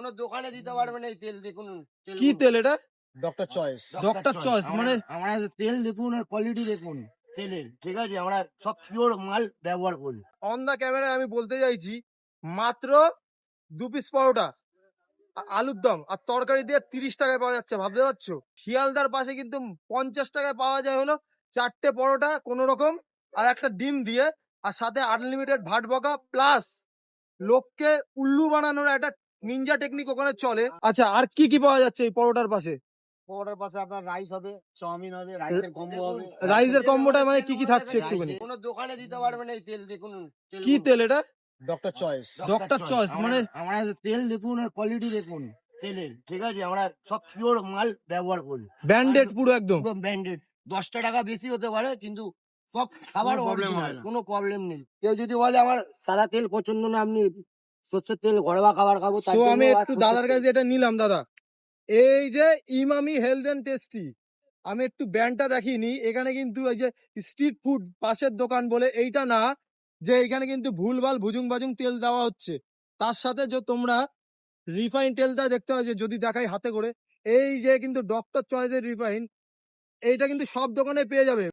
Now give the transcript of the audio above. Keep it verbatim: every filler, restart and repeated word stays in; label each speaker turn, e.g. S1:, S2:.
S1: কোনো দোকানে দিতে পারবে না এই তেল। দেখুন
S2: কি তেল এটা?
S3: Doctor choice.
S2: ডক্টর চয়েস মানে
S1: আমরা তেল দেখুন আর কোয়ালিটি দেখুন তেলের, ঠিক আছে? আমরা সব পিওর মাল ব্যবহার করি।
S2: অন দা ক্যামেরায় আমি বলতে চাইছি মাত্র দু পিস পরোটা, আ- আলুর দম আর তরকারি দিয়ে তিরিশ টাকায় পাওয়া যাচ্ছে, ভাবতে পারছো? শিয়ালদার পাশে কিন্তু পঞ্চাশ টাকায় পাওয়া যায় হলো চারটে পরোটা কোন রকম আর একটা ডিম দিয়ে, আর সাথে আনলিমিটেড ভাট বকা প্লাস লোককে উল্লু বানানোর একটা নিনজা টেকনিক ওখানে চলে। আচ্ছা, আর কি কি পাওয়া যাচ্ছে এই পরোটার পাশে?
S3: পরোটার পাশে আপনার রাইস হবে, চাউমিন হবে, রাইসের কম্বো হবে।
S2: রাইসের কম্বোটা মানে কি কি থাকছে একটুখানি?
S1: কোনো দোকানে দিতে পারবে না এই তেল। দেখুন
S2: কি তেল এটা?
S3: Doctor choice.
S2: ডক্টর চয়েস মানে
S1: আমরা তেল দেখুন আর কোয়ালিটি দেখুন তেলের, ঠিক আছে? আমরা সব পিওর মাল ব্যবহার করি।
S2: ব্যান্ডেড পুরো একদম।
S1: পুরো ব্র্যান্ডেড। দশটা টাকা বেশি হতে পারে কিন্তু সব খাবার অরিজিনাল, কোনো প্রবলেম নেই। কেউ যদি বলে আমার সাদা তেল পছন্দ না, আপনি সর্ষের তেল ঘরোয়া খাবার খাবো, তার
S2: তো
S1: জন্য
S2: আমি
S1: আর
S2: একটু
S1: সর্ষের
S2: দাদার
S1: তেল।
S2: কাছে এটা নিলাম। দাদা, এই যে ইমামি হেলথ এন্ড টেস্টি, আমি একটু ব্র্যান্ডটা দেখিনি। এখানে কিন্তু এই যে স্ট্রিট ফুড পাশের দোকান বলে এইটা না, যে এখানে কিন্তু ভুলভাল ভুজুং বাজুং তেল দেওয়া হচ্ছে। তার সাথে যে তোমরা রিফাইন তেলটা দেখতে পাচ্ছ, যদি দেখাই হাতে করে, এই যে কিন্তু ডক্টর চয়েসের রিফাইন, এইটা কিন্তু সব দোকানে পেয়ে যাবে।